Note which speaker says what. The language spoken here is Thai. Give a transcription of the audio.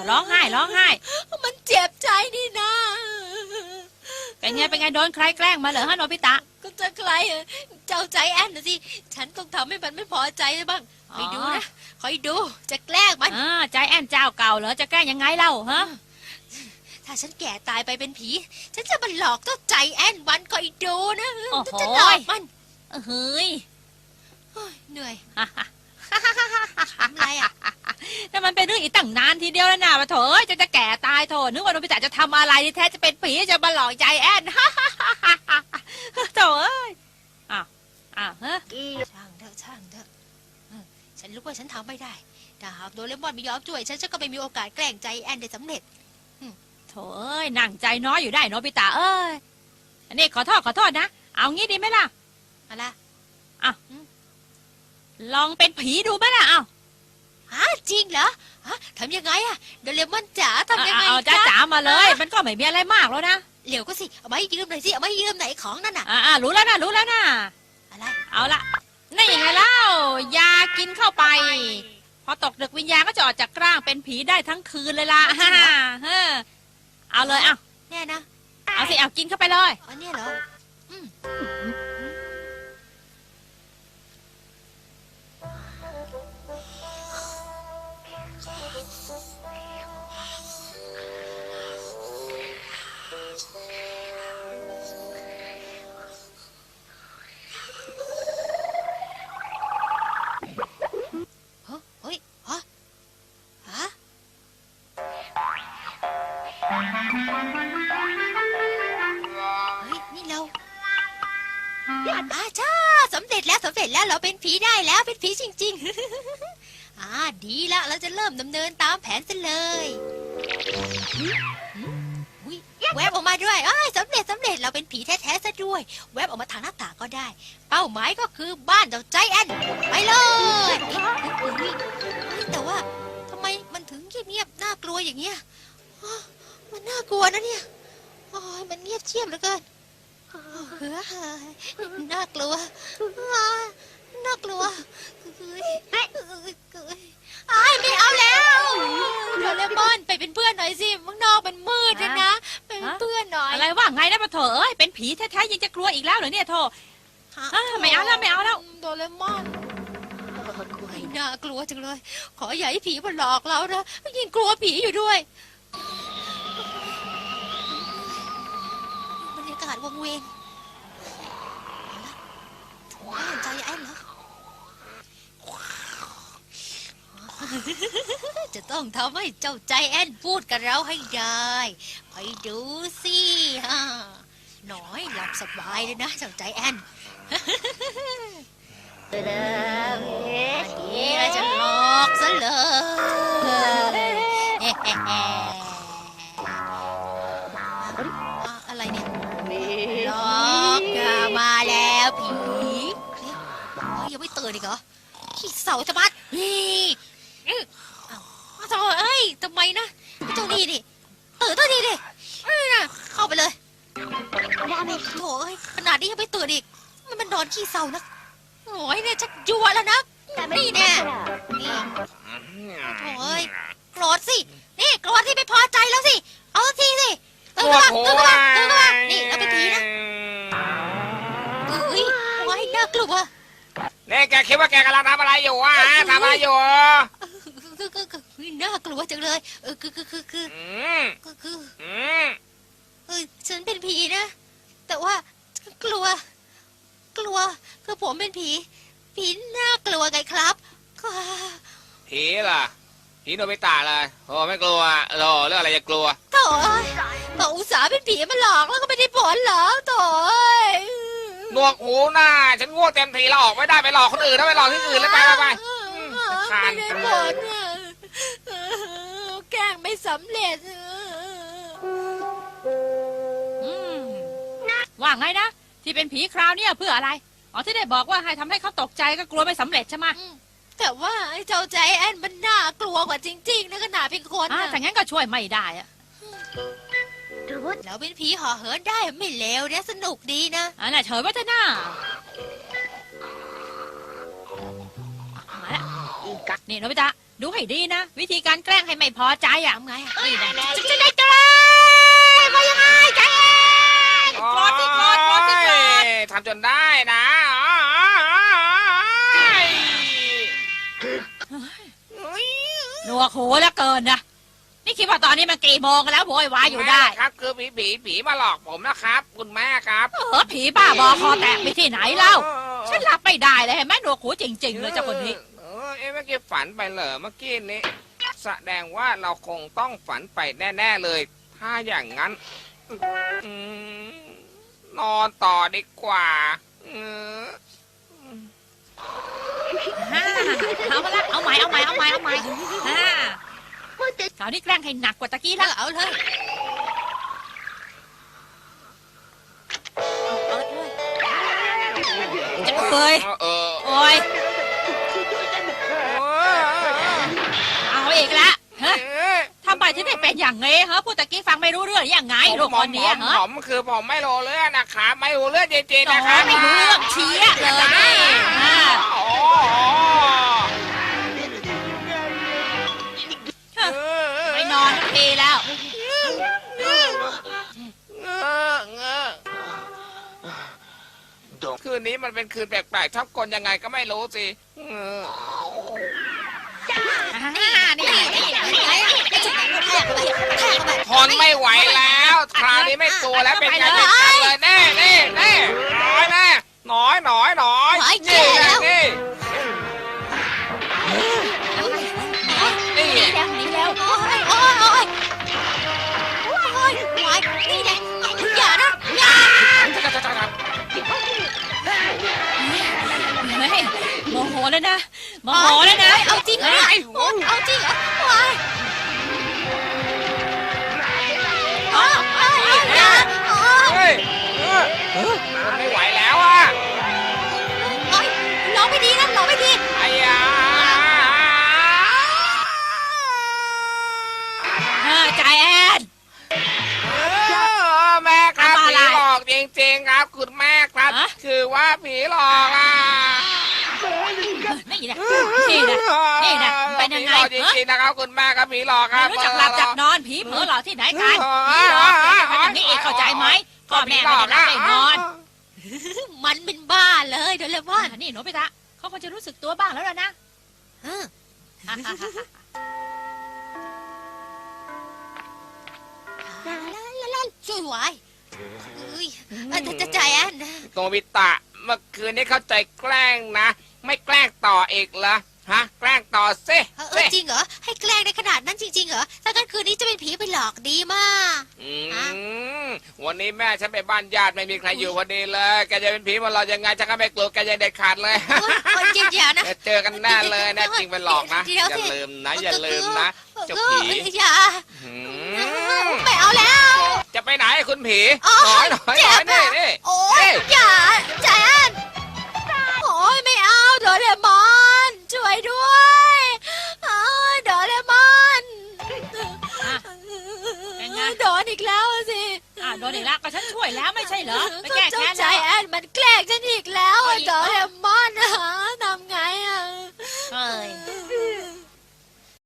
Speaker 1: ร้องไห้
Speaker 2: มันเจ็บใจนี่นะ
Speaker 1: เป็นไงโดนใครแกล้งมาเหรอฮะโนบิตะ
Speaker 2: ก็จะใครเจ้าใจแอนนะสิฉันต้องทำให้มันไม่พอใจบ้างคอยดูนะคอยดูจะแกล้งมัน
Speaker 1: ใจแอนเจ้าเก่าเหรอจะแกล้งยังไงเล่าฮะ
Speaker 2: ถ้าฉันแก่ตายไปเป็นผีฉันจะมาหลอกเจ้าใจแอนมันคอยดูนะจะหลอกมัน
Speaker 1: เฮ้ย
Speaker 2: เหนื่อย
Speaker 1: ทำไรอ่ะแต่มันเป็นเรื่องอีกตั้งนานทีเดียวแล้วนะมาโถจะแก่ตายโถนึกว่าโนบิตะจะทำอะไรที่แท้จะเป็นผีจะมาหลอกใจแอนโถเอ้ยฮะ
Speaker 2: ช่างเถอะฉันรู้ว่าฉันทำไม่ได้ถ้าหากโดเรมอนไม่ยอมช่วยฉันก็ไม่มีโอกาสแกล้งใจแอนได้สำเร็จ
Speaker 1: โถเอ้ยนั่งใจน้อยอยู่ได้โนบิตะเอ้ยอันนี้ขอโทษนะเอางี้ดีไหมล่ะ
Speaker 2: อะไร
Speaker 1: ลองเป็นผีดูไหมล่ะ
Speaker 2: จริงเหรอทำยังไงโดเรมอนจ๋าทำยังไง
Speaker 1: จ๋ามาเลยมันก็ไม่มีอะไรมากแล้วนะ
Speaker 2: เหลวก็สิเอามาให้ยืมหน่อยสิเอามาให้ยืมไหนของนั่นน่ะ
Speaker 1: รู้แล้วนะ
Speaker 2: อะไร
Speaker 1: เอาละนี่ไงเล่ายากินเข้าไปพอตกดึกวิญญาณก็จะออกจากร่างเป็นผีได้ทั้งคืนเลยล่ะเอาเลย
Speaker 2: แน่นะ
Speaker 1: เอาสิเอากินเข้าไปเลย
Speaker 2: อันนี้เหรอสำเร็จแล้วเราเป็นผีได้แล้วเป็นผีจริงๆดีละเราจะเริ่มดำเนินตามแผนกันเลยแวบออกมาด้วยสำเร็จเราเป็นผีแท้ๆซะด้วยแวบออกมาทางหน้าต่างก็ได้เป้าหมายก็คือบ้านเจ้าใจแอนไปเลยแต่ว่าทำไมมันถึงเงียบๆน่ากลัวอย่างเงี้ยมันน่ากลัวนะเนี่ยมันเงียบเชียบเหลือเกินน่ากลัวไม่เอาแล้วโดเรมอนไปเป็นเพื่อนหน่อยสิข้างนอกมันมืดนะเป็นเพื่อนหน่อย
Speaker 1: อะไรว่าไงนะปะเถอะเอ้ยเป็นผีแท้ๆยังจะกลัวอีกแล้วเหรอเนี่ยโถไม่เอาแล้ว
Speaker 2: โดเรมอนน่ากลัวจังเลยขออย่าให้ผีมาหลอกเรานะยิ่งกลัวผีอยู่ด้วยบรรยากาศวังเวงใจแอนเหรอจะต้องทำให้เจ้าใจแอนพูดกับเราให้ได้ไปดูสิหน่อยหลับสบายเลยนะเจ้าใจแอนนี่เราจะหลอกซะเลยอะไรเนี่ยหลอกมาแล้วผียังไม่ตื่นอีกเหรอขี้เสาจะบัดนี่ทำไมนะเจ้านี่ตื่นตัวนี้ดิเข้าไปเลยโถ่ขนาดนี้ยังไม่ตื่นอีกมันนอนขี้เสานะโอ้ยเนี่ยชักยั่วแล้วนะนี่แน่นี่โถ่โกรธสินี่โกรธที่ไม่พอใจแล้วสิเอาทีสิตื่นมานี่เราเป็นผีนะว้ายน่ากลัว
Speaker 3: นี่แกคิดว่าแกกำลังทำอะไรอยู่ทำอะไรอยู่
Speaker 2: น่ากลัวจังเลยฉันเป็นผีนะแต่ว่ากลัวคือผมเป็นผีน่ากลัวไงครับ
Speaker 3: ผีล่ะผีโนบิตะเลยโอ้ไม่กลัวโอ้เรื่องอะไรจะกลัว
Speaker 2: โถ่ก็อุตส่าห์เป็นผีมาหลอกแล้วก็ไม่ได้ผลเหรอโถ่
Speaker 3: หนวกหูหน้าฉันง่วงเต็มทีแล้วออกไม่ได้ไปหลอกคนอื่นถ้าไปหลอกที่อื่นแล้วไป
Speaker 2: ไม่ได้ผลแกล้งไม่สำเร็จ
Speaker 1: ว่าไงนะที่เป็นผีคราวนี้เพื่ออะไรที่ได้บอกว่าให้ทำให้เขาตกใจก็กลัวไม่สำเร็จใช่ไหม
Speaker 2: แต่ว่าเจ้าใจแอนมันน่ากลัวกว่าจริงๆนะขนาดเป็นคน
Speaker 1: แต่งั้นก็ช่วยไม่ได้
Speaker 2: เราเป็นผีห่อเหินได้ไม่เลวเนี่ยสนุกดีนะ
Speaker 1: น่ะเฉยว่าจะน่ามาละนี่โนบิตะดูให้ดีนะ วิธีการแกล้งให้ไม่พอใจอ่ะ
Speaker 2: ทำไงอะ
Speaker 1: นี่นะจะได้แกล้งมายังไงแกล้งโกรธสิโกรธโกรธสิโกรธ
Speaker 3: ทำจนได้นะ
Speaker 1: หนวกหูแล้วเกินนะนี่คิดว่าตอนนี้มันกี่โมงกันแล้วโวยวายอยู่ได้
Speaker 3: ครับคือผีมาหลอกผมนะครับ คุณแม่ครับ
Speaker 1: ผีบ้าบอคอแตกไปที่ไหนเล่าฉันหลับไม่ได้เลยเห็นไหมหนวกหูจริงๆเลยเจ้าคนนี้
Speaker 3: เมื่อกี้ฝันไปเหรอเมื่อกี้นี้แสดงว่าเราคงต้องฝันไปแน่ๆเลย ถ้าอย่างนั้นนอนต่อดีกว่า
Speaker 1: เอามาละเอาใหม่คราวนี้แกล้งให้หนักกว่าตะกี้แล้ว
Speaker 2: เอาเลยเปิดเลย
Speaker 1: จะเอ้ย
Speaker 3: เออ
Speaker 1: โอ้ยเอาอีกละฮะทำไมถึงได้เป็นอย่างงี้ฮะพูดตะกี้ฟังไม่รู้เรื่องยังไงลูกคนนี้ฮะ
Speaker 3: ผมคือผมไม่รู้เรื่องนะครับไม่รู้เรื่องจริงๆ
Speaker 1: โอ้
Speaker 3: นะครับ
Speaker 1: ไม่รู้เรื่องเชี้เลยนี่ไปนอนทันทีแล้ว
Speaker 3: คืนนี้มันเป็นคืนแปลกๆชอบกลยังไงก็ไม่รู้สิ ทนไม่ไหวแล้วคราวนี้ไม่ตัวแล้วเป็นไงเป็นกันเลยแน่น้อยแน่น้อยนี่นี่
Speaker 1: หนีแล้ว
Speaker 2: โอ้ยนี่แหละอย่านะอย่า
Speaker 1: เฮ้ยโมโหแล้วนะโมโหแล้วนะ
Speaker 2: เอาจริงเหรอเอาจริงเหรอวายอย่า
Speaker 3: เฮ้ยไม่ไหวแล้วอ่ะ
Speaker 2: ร้องไม่ดีนะร้องไม่ดี
Speaker 3: ไอ้ยา
Speaker 1: ใจแอน
Speaker 3: แม่ครับผีหลอกจริงๆครับคุณแม่ครับคือว่าผีหลอกอ่ะ
Speaker 1: นี่นะเป็นยังไง
Speaker 3: ผีหลอกจริงๆนะครับคุณแม่ครับผีหลอกครับ
Speaker 1: รู้จักหลับจักนอนผีเผลอหลอกที่ไหนกันผีหลอกอย่างนี้เองเข้าใจไหมพ่อแม่ไม่ได้หลับไม่นอน
Speaker 2: มันเป็นบ้าเลยเดี๋ยวเลยว่า
Speaker 1: นี่หนูไปตะเขาคงจะรู้สึกตัวบ้างแล้วล่ะนะ
Speaker 2: ช่วยไว้จะใจแอน
Speaker 3: โนบิตะเมื่อคืนนี้เข้าใจแกล้งนะ ไม่แกล้งต่ออีกเหรอฮะแกล้งต่อสิ
Speaker 2: จริงเหรอให้แกล้งในขนาดนั้นจริงๆเหรอถ้างั้นคืนนี้จะเป็นผีไปหลอกดีมาก
Speaker 3: วันนี้แม่ฉันไปบ้านญาติไม่มีใครอยู่พอดีเลยแกจะเป็นผีมาหลอกยังไงฉันก็ไม่กลัวแกจะเด็ดขาดเลย
Speaker 2: อย่านะ
Speaker 3: เจอกันแน่เลยนะจริงเป็นหลอกนะอย่าลืมนะเจ้าผี
Speaker 2: อย่าไม่เอาแล้ว
Speaker 3: จะไปไหนคุณผี
Speaker 2: เจ็บ
Speaker 3: นี่
Speaker 2: โอ้ยอย่าใจแอนโอ้ยไม่เอาโดเรมอนช่วยด้วยโดเรมอนโดนอีกแล้วสิ
Speaker 1: โดนอีกแล้วก็ฉันช่วยแล้วไม่ใช่เหรอไปแก้แค้น
Speaker 2: ใจแอนมันแกล้งฉันอีกแล้วโดเรมอนทำไงอ่ะ
Speaker 1: เฮ้ย